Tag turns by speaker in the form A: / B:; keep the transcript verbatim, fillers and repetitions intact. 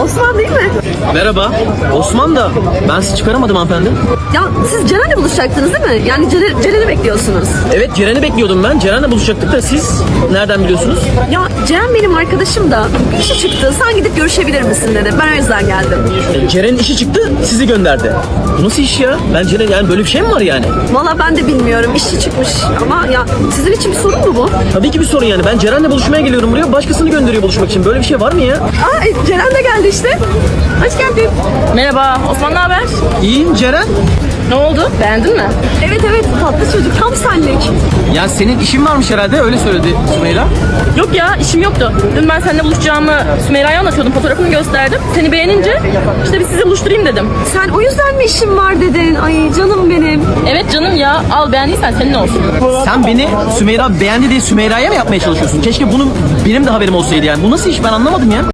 A: Osman değil mi?
B: Merhaba. Osman da ben sizi çıkaramadım hanımefendi.
A: Ya siz Ceren'le buluşacaktınız değil mi? Yani Ceren, Ceren'i bekliyorsunuz.
B: Evet Ceren'i bekliyordum ben. Ceren'le buluşacaktık da siz nereden biliyorsunuz?
A: Ya Ceren benim arkadaşım da bir işi çıktı. Sen gidip görüşebilir misin dedi. Ben o yüzden geldim.
B: E, Ceren'in işi çıktı sizi gönderdi. Bu nasıl iş ya? Ben Ceren yani böyle bir şey mi var yani?
A: Valla ben de bilmiyorum. İşi çıkmış ama ya sizin için bir sorun mu bu?
B: Tabii ki bir sorun yani. Ben Ceren'le buluşmaya geliyorum buraya. Başkasını gönderiyor buluşmak için. Böyle bir şey var mı ya?
A: Aa e, Ceren de geldi işte. Hoş geldin.
C: Merhaba, Osman ne haber?
B: İyiyim Ceren.
C: Ne oldu? Beğendin mi?
A: Evet evet tatlı çocuk tam senlik.
B: Ya senin işin varmış herhalde öyle söyledi Sümeyra.
C: Yok ya, işim yoktu. Dün ben seninle buluşacağımı Sümeyra'ya anlatıyordum, fotoğrafını gösterdim. Seni beğenince işte bir sizi buluşturayım dedim.
A: Sen o yüzden mi işin var dedin? Ay canım benim.
C: Evet canım ya, al beğendiysen senin olsun.
B: Sen beni Sümeyra beğendi diye Sümeyra'ya mı yapmaya çalışıyorsun? Keşke bunun benim de haberim olsaydı yani. Bu nasıl iş ben anlamadım ya.